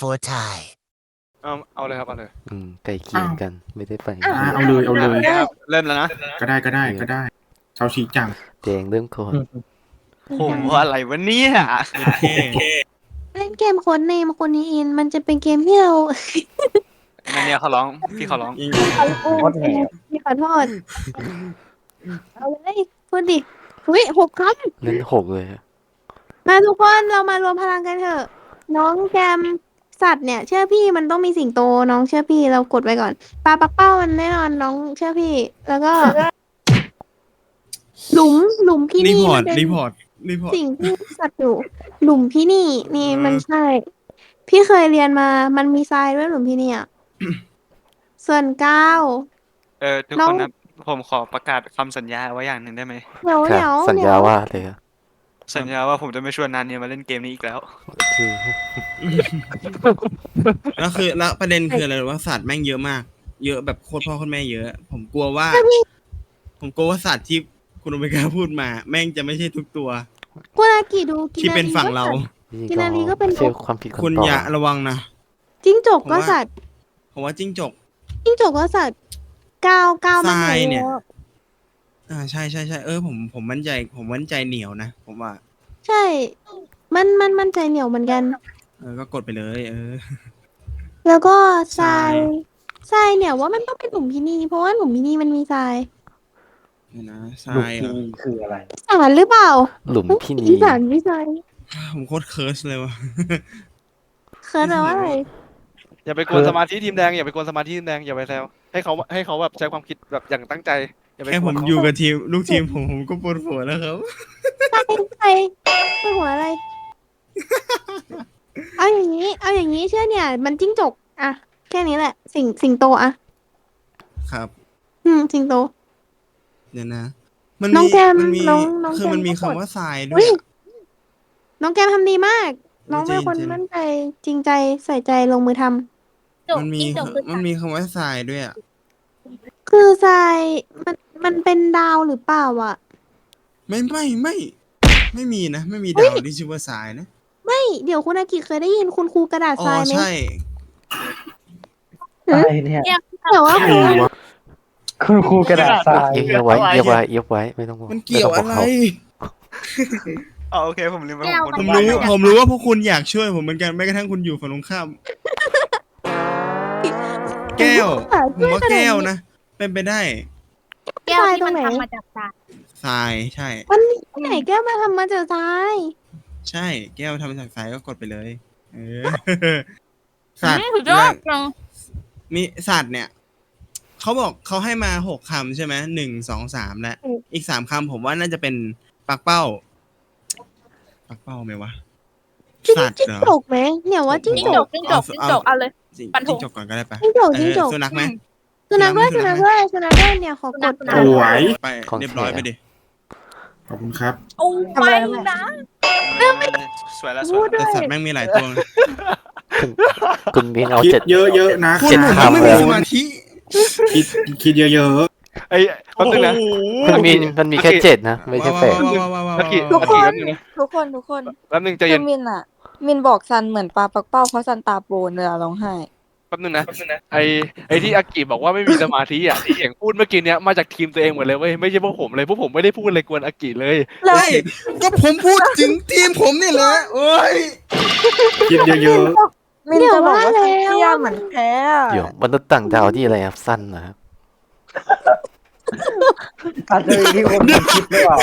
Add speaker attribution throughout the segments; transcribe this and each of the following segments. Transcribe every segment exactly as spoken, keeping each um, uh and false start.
Speaker 1: for Thai
Speaker 2: เอาเอาเลยครับเอาเลย
Speaker 3: อืมไก่เคียงกันไม่ได้ไป
Speaker 4: อ่าเอาเลยเอาเลย
Speaker 2: ครับเริ่มแล้วนะ
Speaker 4: ก็ได้ก็ได้ก็ได้ชาวชีจัง
Speaker 3: แดงเริ่มก่อน
Speaker 2: ผมว่าอะไรวะเนี่ย
Speaker 5: เล่นเกมโค้ดเนมคนนี้อินมันจะเป็นเกมที่เรา
Speaker 2: นั่นเนี่ยเขาร้องพี่เขาร้อง
Speaker 5: โคตรแหบพี่ขอโทษเอาเลยพูดดิเฮ้ยหกค
Speaker 3: เล่นหกเลยอะ
Speaker 5: ำมาทุกคนเรามารวมพลังกันเถอะ น้องแกมสัตว์เนี่ย เชื่อพี่มันต้องมีสิงโตน้องเชื่อพี่เรากดไว้ก่อนปลาปักเป้ามันแน่นอนน้องเชื่อพี่ แล้วก็ หลุมหลุมพี่
Speaker 6: รี
Speaker 5: นี่
Speaker 6: พอร์
Speaker 5: มั
Speaker 6: ต
Speaker 5: นเป็น
Speaker 6: รีพอร์ตรีพอร์ต
Speaker 5: สิ่งที่สัตว์อยู่ หลุมพี่นี่ นี่
Speaker 6: อืม
Speaker 5: มันใช่ พี่เคยเรียนมามันมีทรายด้วยหลุมพี่นี่อ่ะ ส่วนก้าว
Speaker 2: เออทุก
Speaker 5: น้อ
Speaker 2: ค
Speaker 5: ง
Speaker 2: นนะผมขอประกาศคำสัญญาไว้อย่างหนึ่งได้ไหม
Speaker 5: เดี๋ยว
Speaker 3: ค่ะ
Speaker 5: เดี๋ยว
Speaker 3: สัญ
Speaker 5: เดี๋
Speaker 3: ญา
Speaker 5: ยว
Speaker 3: ว่าเลยอะ
Speaker 2: สัญญาว่าผมจะไม่ชวนนานเนี่ยมาเล่นเกมนี้อีกแล้ว
Speaker 3: โอเค
Speaker 6: แล้วคือแล้วประเด็นคืออะไรรู้ว่าสัตว์แม่งเยอะมาก เยอะแบบโคตรพ่อโคตรแม่เยอะ ผมกลัวว่า ผมกลัวว่าสัตว์ที่คุณโอเมก้าพูดมา แม่งจะไม่ใช่ทุกตัว
Speaker 5: คุณอากิดูกิ
Speaker 6: ที่เป็นฝั่งเรา
Speaker 5: กินารีก็เป็น
Speaker 3: ไม่ใช่ความผิดของ
Speaker 6: คุณ
Speaker 3: ต่อ
Speaker 6: อย่าระวังนะ
Speaker 5: จิ้งจก
Speaker 6: ผม
Speaker 5: ก็
Speaker 6: ว่า
Speaker 5: สัตว์
Speaker 6: ผมว่าจิ้งจก
Speaker 5: จิ้งจกก็สัตว์ก้าวก้าวมัน
Speaker 6: ทรายเนี่ย
Speaker 5: อะ
Speaker 6: อ่าใช่ใช่ใช่เออผมผมมั่นใจ ผมมั่นใจเหนียวนะผมว่า
Speaker 5: ใช่ มันมันมันใจเหนียวเหมือนกัน
Speaker 6: เออก็กดไปเลย เออ
Speaker 5: แล้วก็ทราย
Speaker 6: ทราย
Speaker 5: ทรายเนี่ยว่ามันต้องเป็นหลุมพินีเพราะว่าหลุมพินีมันมีทราย
Speaker 6: เดี๋ยวนะท
Speaker 7: ลูก
Speaker 6: รายเหร
Speaker 7: พี่
Speaker 6: อ
Speaker 7: คืออะไร
Speaker 5: สารหรือเปล่า
Speaker 3: หลุมพี่นี
Speaker 5: อีสานไม่ใช่
Speaker 6: ผมโคตรเคิร์สเลยว่ะ
Speaker 5: เคิร์ดแปลว่าอะไร
Speaker 2: อย่าไปกวนสมาธิทีมแดงอย่าไปกวนสมาธิทีมแดงอย่าไปแซวให้เขาให้เขาแบบใช้ความคิดแบบอย่างตั้งใจอย่าไป
Speaker 6: แค่
Speaker 2: ก
Speaker 6: ผ
Speaker 2: วน
Speaker 6: ม
Speaker 2: เขา
Speaker 6: อยู่กับทีมลูกทีมผมผมก็ปวดหัวแล้วครับ
Speaker 5: ใครเป็นหัวอะไร เอาอย่างนี้ เอาอย่างนี้เชื่อเนี่ย มันจิ้งจกอะแค่นี้แหละ สิงสิงโตอะ
Speaker 6: ครับ
Speaker 5: อืมสิงโต
Speaker 6: เดี๋ยวนะ มัน
Speaker 5: น้อง
Speaker 6: มี
Speaker 5: แกม
Speaker 6: มันมี
Speaker 5: น้องน้อง
Speaker 6: คือ
Speaker 5: แกม
Speaker 6: มันมี
Speaker 5: ก็
Speaker 6: คำ
Speaker 5: กด
Speaker 6: ว่าทรายด้ว
Speaker 5: อุ๊
Speaker 6: ย
Speaker 5: ย
Speaker 6: อะ
Speaker 5: น้องแกมทำดีมาก น้องเป็นคน
Speaker 6: จริงๆ
Speaker 5: มั่นใจจริงใจใส่ใจลงมือทำ
Speaker 6: มันมีมันมีคำว่าทรายด้วยอ่ะ
Speaker 5: คือทรายมันมันเป็นดาวหรือเปล่าอ่ะ
Speaker 6: ไม่ไม่ไม่ ไม่มีนะ ไม่มีดาวที่ชื่อว่าทรายนะ
Speaker 5: ไม่เดี๋ยวคุณอากิเคยได้ยินคุณครูกระดาษ
Speaker 6: อ๋
Speaker 5: ท
Speaker 6: อ
Speaker 5: รายไหม
Speaker 6: ใช่
Speaker 7: อะไรเนี่ย
Speaker 5: แต่ว่า
Speaker 4: ใครวะ
Speaker 7: คุณครูกระดาษทราย
Speaker 3: เอียบไว้เอียบไว้เอียบไว้ไม่ต้องห่วง
Speaker 6: มันเกี่ยว
Speaker 3: ม่ต้
Speaker 6: อะ
Speaker 3: งบ
Speaker 6: ไร
Speaker 3: เขา
Speaker 2: อ๋อโอเคผมลืมไปผม
Speaker 6: ผม
Speaker 2: คน
Speaker 6: รู้
Speaker 2: เดียว
Speaker 6: ผมรู้ว่าพวกคุณอยากช่วยผมเหมือนกันแม้กระทั่งคุณอยู่ฝั่งตรงข้าม แก้ว ผมว่าแก้วนะ เป็นไปได้
Speaker 5: แก้วที่มันทำมาจาก
Speaker 6: ทรายใช่
Speaker 5: มันที่ไหนแก้วมาทำมาจากทราย
Speaker 6: ใช่ แก้วทำมาจากทรายก็กดไปเลย เออ สัตว์
Speaker 8: สุดยอดจัง
Speaker 6: มีสัตว์เนี่ยเขาบอกเขาให้มาหกคำใช่ไหมหนึ่งสองสามและอีกสามคำผมว่าน่าจะเป็นปักเป้า ปักเป้าไหมวะ
Speaker 5: จิ้ง
Speaker 6: สัตว์
Speaker 5: จิ้ง
Speaker 6: เหรอ
Speaker 5: จกไหมเนี่ยว่าจิ้ง
Speaker 8: จิ้ง
Speaker 5: จ
Speaker 8: จ
Speaker 5: ก
Speaker 8: กจิ้งจกจิ้งจกเอาเลย
Speaker 6: จิ้ง
Speaker 8: ปันธง
Speaker 6: จิ้งจกก่อนก็ได้ปะ
Speaker 5: จิ้งจก
Speaker 6: เอ
Speaker 5: จิ้ง
Speaker 6: อ
Speaker 5: จก
Speaker 6: สุนัขไหม
Speaker 5: สุนัขด้วย
Speaker 6: สุ
Speaker 5: สุ
Speaker 6: นั
Speaker 5: นั
Speaker 6: ข
Speaker 5: ข
Speaker 6: ไหม
Speaker 5: ด้วยสุนัขด้วยเนี่ยขอกด
Speaker 4: สวย
Speaker 6: ไปเรียบร้อยไปดิ
Speaker 4: ขอบคุณครับ
Speaker 8: โอ้ไม่นะ
Speaker 2: สวยแล้วส
Speaker 5: พู
Speaker 2: วย
Speaker 5: ดด้
Speaker 6: แต่
Speaker 5: วย
Speaker 6: สัตว์แม่งมีหลายตัว
Speaker 3: คุณคุณมินเอา
Speaker 4: คิด
Speaker 3: เจ็ด
Speaker 4: เยอะๆนะ
Speaker 6: คุณ
Speaker 3: เจ็ด
Speaker 6: ผม
Speaker 3: คำ
Speaker 6: ไม่
Speaker 3: เล
Speaker 6: มี
Speaker 3: ย
Speaker 6: สมาธิ
Speaker 4: คิดคิดเยอะ
Speaker 2: ไอ้แป๊บนึงนะ
Speaker 3: คุณมินมันมีแค่เจ็ดนะไม่ใช่แปด
Speaker 6: ว้าวว้าวว้าวว้าว
Speaker 2: อากิ
Speaker 6: ว้าว
Speaker 2: อากิแป๊บนึงนะ
Speaker 9: ทุกคนทุกคน
Speaker 2: แป๊บนึงใจ
Speaker 9: คื
Speaker 2: เย็
Speaker 9: อน มินอะมินบอกซันเหมือนปลาปักเป้าเพราะซันตาโปนเวลาร้องไห้
Speaker 2: แป๊บนึงนะไอ้ไอ้ที่อากิบอกว่าไม่มีสมาธิอ่ะที่เสียงพูดเมื่อกี้เนี้ยมาจากทีมตัวเองหมดเลยเว้ยไม่ใช่พวกผมเลยพวกผมไม่ได้พูดอะไรกวนอากิเลย
Speaker 6: เฮ้ยก็ผมพูดถึงทีมผมนี่แหละโอ้ย
Speaker 4: ๆ คิดเยอะ
Speaker 9: มินจะบอกว่าซันเตี้ยเหมือนแพ้อะ
Speaker 3: เดี๋ยวมนุษย์ต่างดาวที่อะไรครับสั้นนะครับ
Speaker 7: อาจจะมีที่คนคิดหรือเปล่า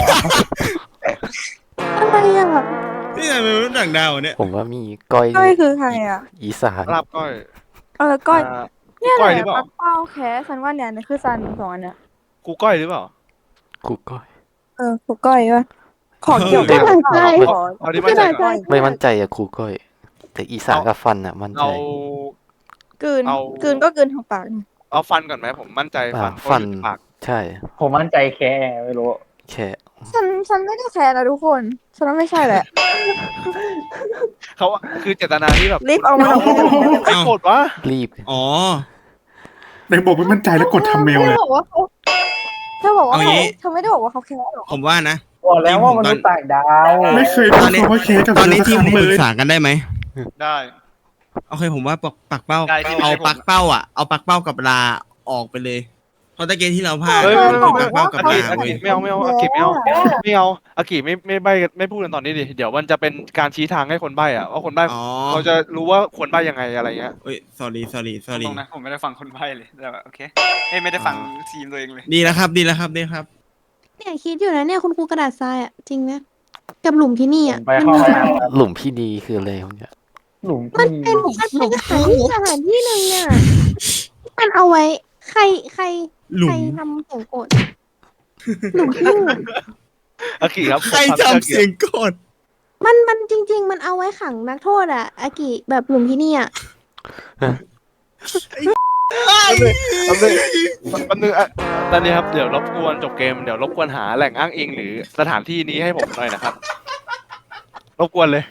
Speaker 5: อะไรอ่ะ
Speaker 6: นี่ไงเป็นมนุษย์ต่างดาวเนี่ย
Speaker 3: ผมว่ามีก้อย
Speaker 9: ก้อยคือใครอะ
Speaker 3: อีสาน
Speaker 2: ลาบก้อย
Speaker 9: เออก้อย
Speaker 2: า
Speaker 9: เนี่ย
Speaker 2: ก้อย
Speaker 9: แห
Speaker 2: หรือ
Speaker 9: ละ
Speaker 2: เปล่า
Speaker 9: ปักเป้าแพ้ซันว่าเนี่ยนี่คือซันสองอันเนี่ย
Speaker 2: ครูก้อยหรือเปล่า
Speaker 3: ครูก้อย
Speaker 9: เออผูก้อยวะขอเกี่ยวกับ
Speaker 5: กระดาษทราย
Speaker 9: ขอ
Speaker 2: เอาที่มั่นใจก่อน
Speaker 3: ไม่มั่นใจอะครูก้อย แต่อีสานกับฟันอะมั่นใจ
Speaker 2: เอา
Speaker 9: กลืน
Speaker 2: เอา
Speaker 9: กลืนก็กลืนทางปาก
Speaker 2: เอาฟันก่อนไหมผมมั่นใจฟัน
Speaker 3: อ่าฟัน
Speaker 2: เพราะอยู่ที่ปาก
Speaker 3: ใช่
Speaker 7: ผมมั่นใจแค่ไม่รู้
Speaker 3: แค่
Speaker 9: ฉันฉันไม่ได้แพ้นะทุกคนฉันว่าไม่ใช่แหละ
Speaker 2: เขาคือเจตนาที่แบบ
Speaker 9: รีบเอามาลง
Speaker 2: ไอ้โกรธวะ
Speaker 3: รีบ
Speaker 6: อ๋อ
Speaker 4: ๆในบอกไม่มั่นใจแล้วกดทำเมลเลย
Speaker 9: เธอบอกว่าเขาเธอบอกว่า
Speaker 6: เอางี้
Speaker 9: เขาเธอไม่ได้บอกว่าเขาแพ้หรอก
Speaker 6: ผมว่านะ
Speaker 7: บอกแล้วว่ามนุษย์ต่างดาว
Speaker 4: ไม่เคยพูดคำว่าเคสกับ
Speaker 6: ตอนนี้
Speaker 4: เธ
Speaker 6: ทีม
Speaker 4: สัก
Speaker 6: ผม
Speaker 4: คำ
Speaker 6: ป
Speaker 4: เล
Speaker 6: รึ
Speaker 4: ย
Speaker 6: กษากันได้ไหม
Speaker 2: ได้
Speaker 6: โอเคผมว่าปักปักเป้า
Speaker 2: ได้ที่
Speaker 6: เอา
Speaker 2: ได้ผม
Speaker 6: ปักเป้าอ่ะเอาปักเป้ากับลาออกไปเลยเพราะตะเกียที่เราพลาด
Speaker 2: เฮ้ย
Speaker 6: มันคือปักเป้ากับ
Speaker 2: อา
Speaker 6: ลา
Speaker 2: กิอา
Speaker 6: เว้
Speaker 2: กิ
Speaker 6: ย
Speaker 2: ไม่เอาไม่เอาอากิไม่เอาไม่เอาอากิไม่ไม่ใบไม่พูดกันตอนนี้ดิเดี๋ยวมันจะเป็นการชี้ทางให้คนใบอ่ะว่าคนใบ
Speaker 6: อ๋อ
Speaker 2: เขาจะรู้ว่าควรใบยังไงอะไรเงี้ย
Speaker 6: เอ้ย sorry sorry
Speaker 1: ต
Speaker 6: sorry
Speaker 1: รงนะผมไม่ได้ฟังคนใบ้เลยแต่ว่าโอเคเอ้ยไม่ได้ฟังทีมตัวเองเลย
Speaker 6: ดีแล้วครับดีแล้วครับดีครับ
Speaker 5: เนี่ยคิดอยู่นะเนี่ยคุณครูกระดาษทรายอ่ะจริงนะกับหลุมที่นี่
Speaker 7: ผ
Speaker 5: อ่ะ
Speaker 7: มไปเข้าห้องน้ำครับ
Speaker 3: หลุมพี่ดีคืออะไรวะเนี่ย
Speaker 7: หลุม
Speaker 5: มัน
Speaker 7: พี่
Speaker 5: เป็นมันเป็นสถานที่สถานที่หนึ่งอ่ะมันเอาไว้ ใครใคร
Speaker 6: หลุ
Speaker 5: ใคร
Speaker 6: ม
Speaker 5: ทำเสียงโกรธหลุมที่นี่
Speaker 2: อากิครับ
Speaker 6: ใครจำเสียงกด
Speaker 5: มันมันจริง ๆ มันเอาไว้ขังนักโทษอ่ะอากิแบบหลุมที่นี่อ่ะ
Speaker 2: แป๊บนึงแป๊บนึงอ่ะตอนนี้ครับเดี๋ยวรบกวนจบเกมเดี๋ยวรบกวนหาแหล่งอ้างอิงหรือสถานที่นี้ให้ผมหน่อยนะครับรบกวนเลย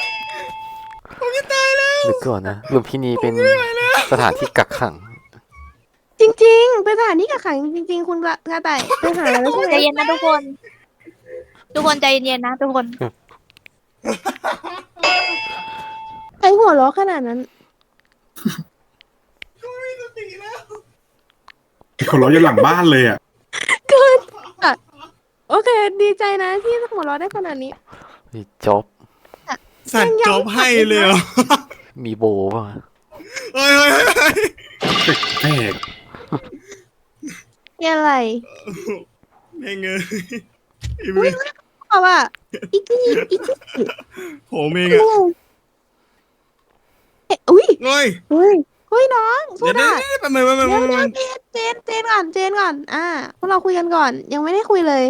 Speaker 3: หรือก่อนนะหลุมพี่ดีเป็นสถานที่กักขัง
Speaker 5: จริง ๆ เป็นสถานที่กักขังจริง ๆ คุณกระกระต่ายไปหาแล้วใช่ไหม
Speaker 8: ใจเย็นนะทุกคน ทุกคนใจเย็นๆนะทุกคน
Speaker 5: ใครหัวเราะขนาดนั้น
Speaker 4: เขาล้ออยู่หลังบ้านเลยอ่ะ
Speaker 5: โอเค ดีใจนะที่หัวเราะได้ขนาดนี้
Speaker 3: มีจ็อบ
Speaker 6: สัตว์จบให้เลยเหรอ
Speaker 3: มีโบป่ะ
Speaker 6: เฮ้ยเฮ้ยเฮ้ยเฮ้ย
Speaker 4: แปลก
Speaker 5: นี่อะไร
Speaker 6: แม่งเอ้ยไอ้
Speaker 5: อุ้
Speaker 6: เว้
Speaker 5: ย
Speaker 6: ย
Speaker 5: บอกว่าอีกกี้อีกกี้
Speaker 6: ผมเองอะ
Speaker 5: เอ๊ะอุ้ย
Speaker 6: เฮ้ย
Speaker 5: เฮ้ยเฮ้ยน้องสู้
Speaker 6: เดี๋ยว
Speaker 5: ได้
Speaker 6: เดี๋ยวเดี๋ยวแป๊บนึงแป๊บนึง
Speaker 5: เดี๋ยว
Speaker 6: แป๊บนึง
Speaker 5: เดี๋ยวเจนเจนก่อนเจนก่อน อ่าพวกเราคุยกันก่อน ยังไม่ได้คุยเลย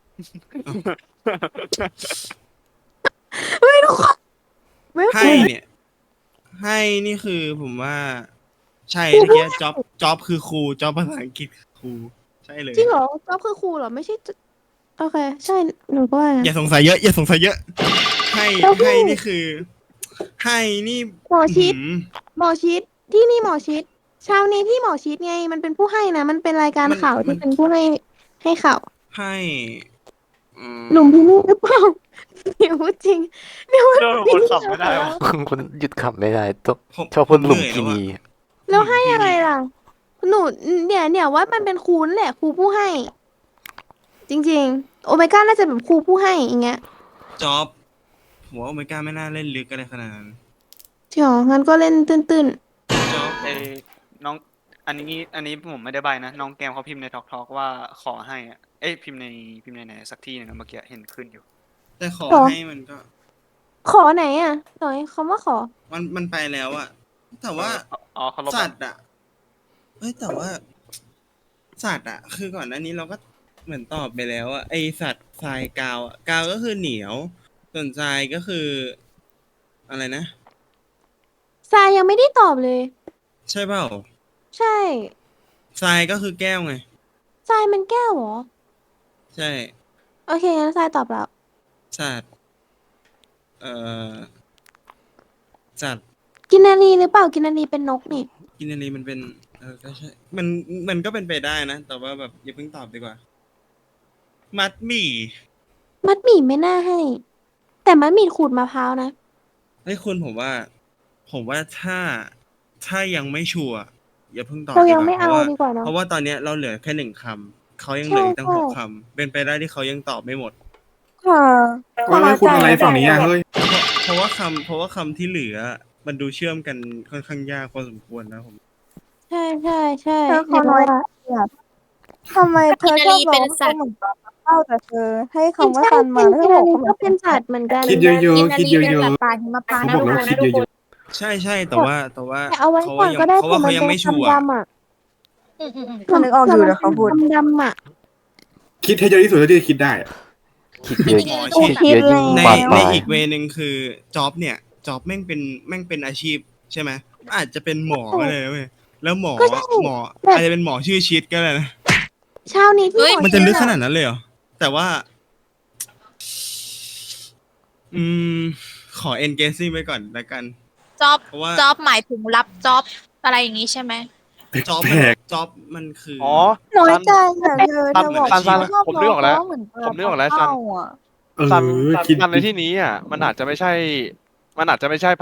Speaker 5: เฮ้ยทุกคนไม่
Speaker 6: ให้
Speaker 5: คุย
Speaker 6: เนี่ย ให้นี่คือผมว่า ใช่ตะเกียจ็อบจ็อบคือครูจ็อบภาษาอังกฤษคือครูใช่เลย
Speaker 5: จริงเหรอก็คือครูเหรอไม่ใช่จะโอเค ใช่หนูก็ว่า
Speaker 6: อย่าสงสัยเยอะอย่าสงสัยเยอะ ให้
Speaker 5: แล้วพี่
Speaker 6: ให้นี่คือ ให้นี่
Speaker 5: หมอชิด
Speaker 6: หืม
Speaker 5: หมอชิดที่นี่หมอชิดเช้านี้ที่หมอชิดไง มันเป็นผู้ให้นะมันเป็นรายการ
Speaker 6: มัน
Speaker 5: ข่าว
Speaker 6: มั
Speaker 5: ที่
Speaker 6: น
Speaker 5: เป็นผู้ให้ให้ข่าว
Speaker 6: ให้อืม
Speaker 5: หนุ่มที่นี่หรือเปล่าเดี๋ยวพูดจริงเดี๋ยว
Speaker 1: เดี๋ยวคนขับไม่ได้วะ
Speaker 3: คนหยุดขับไม่ได้ต้อง
Speaker 6: ผม
Speaker 3: ชอบพูดหลุม
Speaker 6: เหนื่อย
Speaker 3: พี่
Speaker 6: แล้ว
Speaker 3: ดี
Speaker 6: อะ
Speaker 5: แล้วให้อะไรล่ะ หนูเนี่ยเนี่ยว่ามันเป็นครูนั่นแหละครูผู้ให้ จริง ๆ โอเมก้าน่าจะแบบครูผู้ให้อย่างเงี้ย
Speaker 6: จ็อบผมว่าโอเมก้าไม่น่าเล่นลึกอะไรขนาดนั้น
Speaker 5: จริงเหรองั้นก็เล่นตื้น
Speaker 6: จ็อบ
Speaker 1: เอ้ยน้องอันนี้อันนี้ผมไม่ได้ใบนะน้องแกมเขาพิมพ์ในทอกทอกว่าขอให้อะเอ้ยพิมพ์ในพิมพ์ในไหนสักที่หนึงอะเมื่อกี้เห็นขึ้นอยู่
Speaker 6: แต่ขอ
Speaker 5: ขอ
Speaker 6: ให้มันก็
Speaker 5: ๆ ขอไหนอ่ะหน่อยคำว่าขอ
Speaker 6: มันมันไปแล้วอะแต่ว่า
Speaker 1: อ๋อเขาลบ
Speaker 6: สัตว์อะเอ้ยแต่ว่า สัตว์อะคือก่อนหน้านี้เราก็เหมือนตอบไปแล้วอะไอสัตว์ทรายกาวอะกาวก็คือเหนียว ส่วนทรายก็คือ อะไรนะ
Speaker 5: ทรายยังไม่ได้ตอบเลย
Speaker 6: ใช่เปล่า
Speaker 5: ใช่
Speaker 6: ทรายก็คือแก้วไง
Speaker 5: ทรายมันแก้วเหรอ
Speaker 6: ใช่
Speaker 5: โอเคงั้นทรายตอบแล้ว
Speaker 6: สัตว์เอ่อสัตว์
Speaker 5: กินนารีหรือเปล่ากินนารีเป็นนกนี่
Speaker 6: กินอะไรมันเป็น เออก็ใช่ มันมันก็เป็นไปได้นะ แต่ว่าแบบอย่าเพิ่งตอบดีกว่า มัดหมี่
Speaker 5: มัดหมี่ไม่น่าให้ แต่มัดหมี่ขูดมะพร้าวนะ
Speaker 6: เฮ้ยคุณผมว่า ผมว่าถ้าถ้ายังไม่ชัวร์อย่าเพิ่งตอบ
Speaker 5: เรา
Speaker 6: ดี
Speaker 5: ยัง
Speaker 6: กว่า
Speaker 5: ไม่
Speaker 6: เพ
Speaker 5: เอา
Speaker 6: ราะว่า
Speaker 5: ดีกว่าเนาะ
Speaker 6: เพราะว่าตอนเนี้ยเราเหลือแค่หนึ่งคำเขายังเหลืออีกตั้ง
Speaker 5: ใช่
Speaker 6: หกคำเป็นไปได้ที่เขายังตอบไม่หมด
Speaker 9: ค่ะ
Speaker 4: เฮ้ยคุณอะไรฝั่งนี้อ่ะเฮ้ย
Speaker 6: เพราะเพราะว่าคำเพราะว่าคำที่เหลือ มันดูเชื่อมกันค่อนข้างยากพอสมควรนะผม
Speaker 5: ใช่ใช่ใช่
Speaker 9: เธอขอน้อยทำไมเธอชอบร้องเขาเหมือนปลาปักเป้าแต่เธอ ให้คำว่าซันมาแล้ว
Speaker 5: กิ
Speaker 9: เธ
Speaker 5: น
Speaker 9: อ
Speaker 5: นา
Speaker 9: บอก
Speaker 5: รี
Speaker 9: เขาเหมื
Speaker 5: ก็
Speaker 9: อน
Speaker 5: เป็นสัตว์เหมือนกัน
Speaker 4: คิดเยอะๆคิดเยอะ
Speaker 8: เป็นปลาหิมพานต์
Speaker 4: ๆ
Speaker 8: นะ
Speaker 4: เขาบอกแล้ว
Speaker 8: ทุก
Speaker 4: คิด
Speaker 8: คน
Speaker 4: เยอะ
Speaker 6: ใช่ใช่แต่ว่าแต่ว่า
Speaker 5: แต่เอาไว้
Speaker 6: เขา
Speaker 5: ก่อน
Speaker 6: ยัง
Speaker 5: ก็ได้
Speaker 6: เขาว่าเขายังไม่ชัวร์
Speaker 5: ดำๆอ่ะ
Speaker 8: อืมอืมอืม
Speaker 9: เขานึกออกอยู่เดี๋ยวเขาพูด
Speaker 5: ดำๆอ่ะ
Speaker 4: ๆคิดให้เยอะที่สุดเท่าที่จะคิดได้อะ
Speaker 3: คิดเยอะ
Speaker 6: หมอ
Speaker 3: คิดเยอะยิ่ง
Speaker 6: ใน
Speaker 3: บานป
Speaker 6: ใน
Speaker 3: ลาย
Speaker 6: อีกเวนึงคือจ็อบเนี่ยจ็อบแม่งเป็นแม่งเป็นอาชีพใช่ไหมอาจจะเป็นหมอก็เลยนะเว้ยแล้วหมอ
Speaker 5: ก็ใช่
Speaker 6: หมอ
Speaker 5: แบบ
Speaker 6: อาจจะเป็นหมอชื่อชิดก็ได้นะ
Speaker 5: เช้านี้ที่หอ
Speaker 6: มันจะลึกขนาด
Speaker 5: เชื่อ
Speaker 6: นั้นเลยเหรอแต่ว่า อืม ขอ engaging ไว้ก่อนละกัน
Speaker 8: จ็อบ
Speaker 6: เพราะว่า
Speaker 8: จ็อบหมายถึงรับจ็อบอะไรอย่างนี้ใช่ไหม
Speaker 6: จ็อบ
Speaker 4: แป
Speaker 6: มัน
Speaker 4: ลก
Speaker 6: จ็อบมันคืออ
Speaker 2: อ๋อ
Speaker 9: น้อย
Speaker 2: ซัน
Speaker 9: ใจอ่ะเธอเธอบอก
Speaker 2: ซันซัน
Speaker 9: ชอบ
Speaker 2: ผมนึกออกแล้ว
Speaker 9: ร้งเขาเหมือนปลา
Speaker 2: ผมนึกออกแล้วซัน
Speaker 9: ปัเป้าอ่ะ
Speaker 4: เออ
Speaker 2: ซัน
Speaker 4: คิด
Speaker 2: ซันในที่นี้อ่ะมันอาจจะไม่ใช่ มันอาจจะไม่ใช่พระอาทิตย์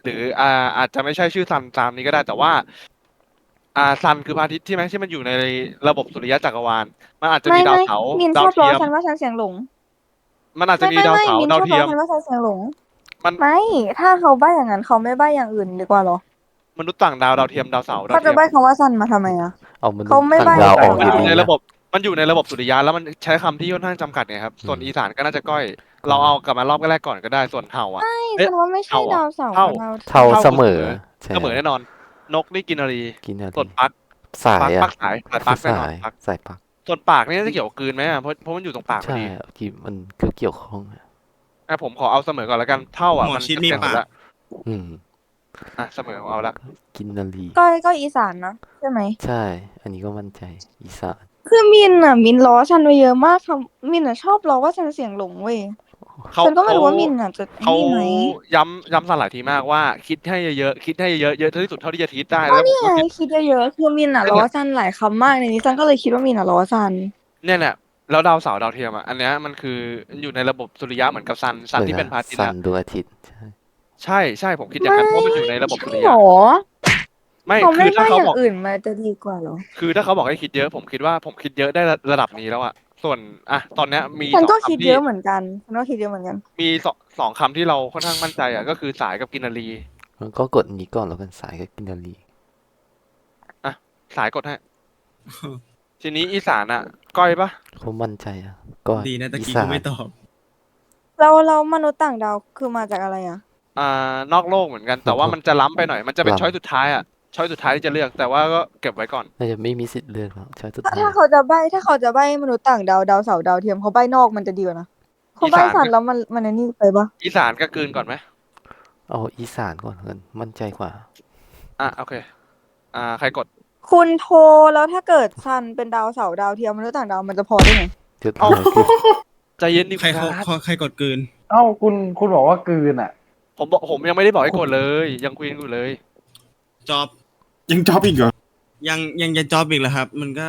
Speaker 2: หรืออ่าอาจจะไม่ใช่ชื่อซันตามนี้ก็ได้แต่ว่า อ่าซันคือพระอาทิตย์ใช่ไหมที่มันอยู่ในระบบสุริยะจักรวาลมันอาจจะ
Speaker 9: ไม่
Speaker 2: มีดาว
Speaker 9: ไม่
Speaker 2: เสาร์
Speaker 9: มินช
Speaker 2: ดาว
Speaker 9: อบล้อ
Speaker 2: เทียม
Speaker 9: ฉันว่าฉันเสียงหลง
Speaker 2: มันอาจจะ
Speaker 9: ไม่
Speaker 2: มี
Speaker 9: ไม่
Speaker 2: ดาว
Speaker 9: ไม่
Speaker 2: เสาร์
Speaker 9: มิน
Speaker 2: ดา
Speaker 9: ช
Speaker 2: ว
Speaker 9: อบ
Speaker 2: เที
Speaker 9: ล้
Speaker 2: ย
Speaker 9: อ
Speaker 2: ม
Speaker 9: ฉันว่าฉันเสียงหลง
Speaker 2: มัน
Speaker 9: ไม่ ถ้าเขาใบ้อย่างนั้นเขาไม่ใบ้อย่างอื่นดีกว่าเหรอ
Speaker 2: มนุษย์ต่างดาวดาวเทียมดาวเสาร์ดาว
Speaker 9: เขา
Speaker 2: เที
Speaker 9: จะ
Speaker 2: ยม
Speaker 9: ใบ้คำว่าซันมาทำไมอ่ะ
Speaker 3: เอามนุษ
Speaker 9: เขา
Speaker 3: ย์
Speaker 9: ไม่
Speaker 3: ต่าง
Speaker 9: ใบ้
Speaker 3: ดาวออก
Speaker 2: มันอยู่
Speaker 3: ดี
Speaker 2: ใน
Speaker 3: ๆ
Speaker 2: ระ
Speaker 3: นะ
Speaker 2: บบมันอยู่ในระบบสุริยะแล้วมันใช้คำที่ค่อนข้างจำกัดเนี่ยครับส่วน
Speaker 3: อืม
Speaker 2: อีสานก็น่าจะก้อย เราเอากลับมารอบแรกก่อนก็ได้ส่วนเห่าอ่ะ
Speaker 9: ไม่
Speaker 2: เอ๊ะ
Speaker 9: ฉันว่าไม่ใช่
Speaker 2: เท่าอะ
Speaker 9: ดาวเสาร์
Speaker 2: เท่า
Speaker 9: กับดาว
Speaker 3: เท่า
Speaker 2: เท่า
Speaker 3: เสมอ
Speaker 2: เสมอ
Speaker 3: ใช่
Speaker 2: เสมอแน่นอน นกนี่กินนารี
Speaker 3: กินอะไร
Speaker 2: ส่วนปัก
Speaker 3: สาย
Speaker 2: ปัก
Speaker 3: อะ
Speaker 2: ปักสายสายปักแน่นอ
Speaker 3: สาน ย
Speaker 2: ปัก
Speaker 3: สายปัก
Speaker 2: ส่วนปากนี่น่าจะเกี่ยวกับกลืนไหมอ่ะเพราะเพราะมันอยู่ตรงปากพอ
Speaker 3: ใช่
Speaker 2: ดี
Speaker 3: อะที่มันก็เกี่ยวข้องอะ
Speaker 2: อ่ะผมขอเอาเสมอก่อนแล้วกันเท่าอ่ะ
Speaker 6: หมอ
Speaker 2: มัน
Speaker 6: ชิดมี
Speaker 2: เต็มๆ
Speaker 6: ปาก
Speaker 2: แล้ว
Speaker 3: อืม
Speaker 2: อ่ะเสมอเอาละ
Speaker 3: กินนารี
Speaker 9: ก็ก็อีสานนะใช่ไหม
Speaker 3: ใช่ อันนี้ก็มั่นใจอีสาน
Speaker 9: คือมินอ่ะ มินล้อฉันไปเยอะมากคำมินอ่ะชอบล้อว่าฉันเสียงหลงเว้ย
Speaker 2: เขา
Speaker 9: ฉันก็ไม่รู้ว่า
Speaker 2: เขา
Speaker 9: มินอ่ะจะไอ้
Speaker 2: เขา
Speaker 9: นี่ไหม
Speaker 2: ย้ำย้ำสันหลายทีมากว่าคิดให้เยอะๆคิดให้เยอะๆเยอะที่สุดเท่าที่จะคิดได้
Speaker 9: ก็
Speaker 2: แล้วผม
Speaker 9: นี่
Speaker 2: ก็
Speaker 9: ไง
Speaker 2: คิด
Speaker 9: คิดเยอะๆคือมินอ่ะ
Speaker 2: นั่น
Speaker 9: ล้
Speaker 2: แห
Speaker 9: อ
Speaker 2: ละ
Speaker 9: ซันหลายคำมากในนี้ซันก็เลยคิดว่ามินอ่ะล้อซัน
Speaker 2: เนี่ยแหละแล้วดาวเสาร์ดาวเทียมอ่ะอันเนี้ยมันคืออยู่ในระบบสุริยะเหมือนกับซันซัน
Speaker 3: เหมือน
Speaker 2: ที่เป็นพระอาทิตย์
Speaker 3: ซั
Speaker 2: อะ
Speaker 3: นดวงอาทิตย์ใช่
Speaker 2: ใช่ใช่ผมคิดอย่างนั้นเพราะมันอยู่ในระบบสุริ
Speaker 9: หร
Speaker 2: ยะ
Speaker 9: อ
Speaker 2: ไม่
Speaker 9: เขา
Speaker 2: คื
Speaker 9: ไม่
Speaker 2: อถ้า
Speaker 9: ใบ้
Speaker 2: เขา
Speaker 9: อย่า
Speaker 2: บอก
Speaker 9: งอื่นมาจะดีกว่าเหรอ
Speaker 2: คือถ้าเขาบอกให้คิดเยอะ ผมคิดว่าผมคิดเยอะได้ระดับนี้แล้วอะส่วนอ่ะตอนเนี้ยมี
Speaker 9: ฉัน
Speaker 2: สอง
Speaker 9: ก็คิด
Speaker 2: คำ
Speaker 9: เย
Speaker 2: ที่
Speaker 9: อะเหมือนกันฉันก็คิดเยอะเหมือนกัน
Speaker 2: มีสองสองคำที่เราค่อนข้างมั่นใจอ่ะก็คือสายกับกินนารี
Speaker 3: มันก็กดนี้ก่อนแล้วกันสายกับกินนารี
Speaker 2: อ่ะสายกดให้ ทีนี้อีสานอ่ะ ก้อยปะ
Speaker 3: เขามั่นใจอะก็
Speaker 6: ดีนะตะ
Speaker 3: อี
Speaker 6: กี้
Speaker 3: สา
Speaker 6: กู
Speaker 3: น
Speaker 6: ไม่ตอบ
Speaker 9: เราเรามนุษย์ต่างดาวคือมาจากอะไรอ่ะ
Speaker 2: อ่านอกโลกเหมือนกัน แต่ว่ามันจะล้ำไปหน่อย มันจะเป็นช้อยสุดท้ายอ่ะช้อยสุดท้ายที่จะเลือก แต่ว่าก็เก็บไว้ก่อน
Speaker 3: น่าจะไม่มีสิทธิ์เลือกแล้วใช่สุด
Speaker 9: ถ้า
Speaker 3: ท้าย
Speaker 9: ถ้าเขาจะใบ้ถ้าเขาจะใบ้มนุษย์ต่างดาวดาวเสาร์ดาวเทียมเขาใบ้นอกมันจะดีกว่านะเขาใบ้
Speaker 2: อีสาน
Speaker 9: สันแล้วมันมันอันนี้ไปปะ
Speaker 2: อีสานก็กลืนก่อนไหม
Speaker 3: เอาอีสานก่อนแล้วกันมั่นใจกว่า
Speaker 2: อ่ะโอเค อ่าใครกด
Speaker 9: คุณโทรแล้วถ้าเกิดซันเป็นดาวเสาร์ดาวเทียมมนุษย์ต่างดาวมันจะพอได้ไง
Speaker 3: เลือก
Speaker 2: เอา
Speaker 3: อะไรคือ
Speaker 2: ใจเย็นดิ
Speaker 6: ใครเขา
Speaker 2: ครับ
Speaker 6: เขาใครกดกลืน
Speaker 7: เอ้าคุณคุณบอกว่ากลืนอ่ะ
Speaker 2: ผมบอกผมยังไม่ได้บอกให้กดเลย ยังคุยกันอยู่เลย
Speaker 6: จอบ
Speaker 4: ยังจอบอีกเหรอ
Speaker 6: ยังยังจะจอบอีกเหรอครับ มันก็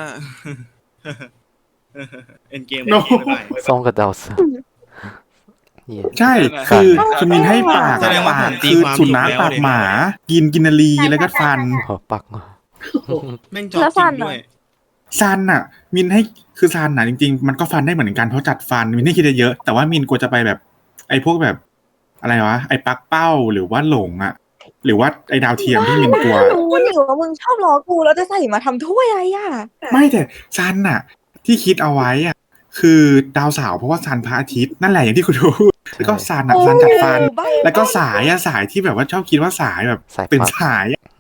Speaker 6: เอ็นเกม
Speaker 4: No
Speaker 6: บ๊ายบาย
Speaker 3: ซองกับดาวเสาร์นี่
Speaker 4: ใช่
Speaker 2: สัน
Speaker 4: คือคือมินให้ปาก
Speaker 6: แสดงว่า
Speaker 4: ปาก
Speaker 6: ผมตี
Speaker 4: คือ
Speaker 6: ความ
Speaker 4: สุนัข
Speaker 6: ถูกแล้ว
Speaker 4: ปาก
Speaker 6: ดิ
Speaker 4: หมา กินกินนารีแล้วก็ฟัน
Speaker 3: ขอปักมา
Speaker 6: แม่งจอบ
Speaker 9: แล้ว
Speaker 6: จ
Speaker 9: ซั
Speaker 6: ริ
Speaker 9: น
Speaker 6: ง
Speaker 9: อะ
Speaker 6: ด้วย
Speaker 4: ซันน่ะ มินให้คือซันน่ะจริงๆ มันก็ฟันได้เหมือนกันเพราะจัดฟันมินให้คิดเยอะแต่ว่ามินกลัวจะไปแบบ ไอ้พวกแบบอะไรวะไอ้ปักเป้าหรือว่าหลงอ่ะ หรือว่าไอ้ดาวเทียมที่มินกลัว
Speaker 9: รู้นี่ว่ามึงชอบล้อกูแล้วจะใส่มาทำถ้วยอะไรอ่ะ
Speaker 4: ไม่แต่ซันน่ะ ที่คิดเอาไว้อ่ะคือดาวเสาร์เพราะว่าซันพระอาทิตย์นั่นแหละอย่างที่คุณรู้แล้วก็ซันอ่ะซันจัดฟัน
Speaker 9: ใบ้
Speaker 4: แล้วก็สายอ่ะสายที่แบบว่าชอบคิดว่าสายแบบ
Speaker 3: สาย
Speaker 4: เป็น
Speaker 3: ปัก
Speaker 4: สายอะ